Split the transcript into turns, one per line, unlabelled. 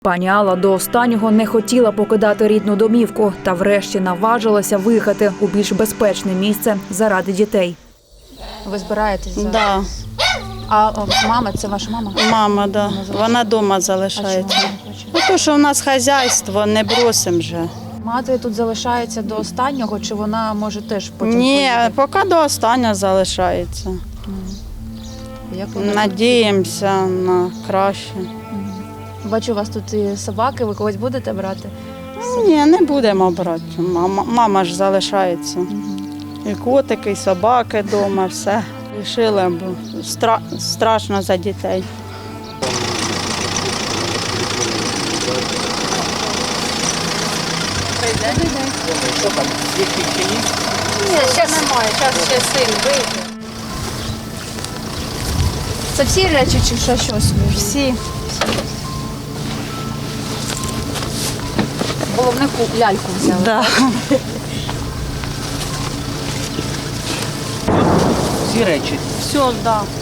Пані Алла до останнього не хотіла покидати рідну домівку та врешті наважилася виїхати у більш безпечне місце заради дітей.
Ви збираєтесь?
Да.
А мама, це ваша мама?
Мама, да. Вона вдома залишається. Тому що в нас хазяйство, не бросимо вже.
Мати тут залишається до останнього, чи вона може теж потім
Ні,
поїхати?
поки до останнього залишається.
Як вона?
Надіємося на краще.
Бачу, у вас тут і собаки, ви когось будете брати?
Ні, не будемо брати. Мама ж залишається. І котики, і собаки вдома, все. Рішили, бо страшно за дітей.
Що там, звідки чи ні?
Ні, зараз немає, зараз ще син вийде. Це всі речі чи що щось?
Всі.
Головне ляльку взяли.
Да.
Всі речі.
Все, да.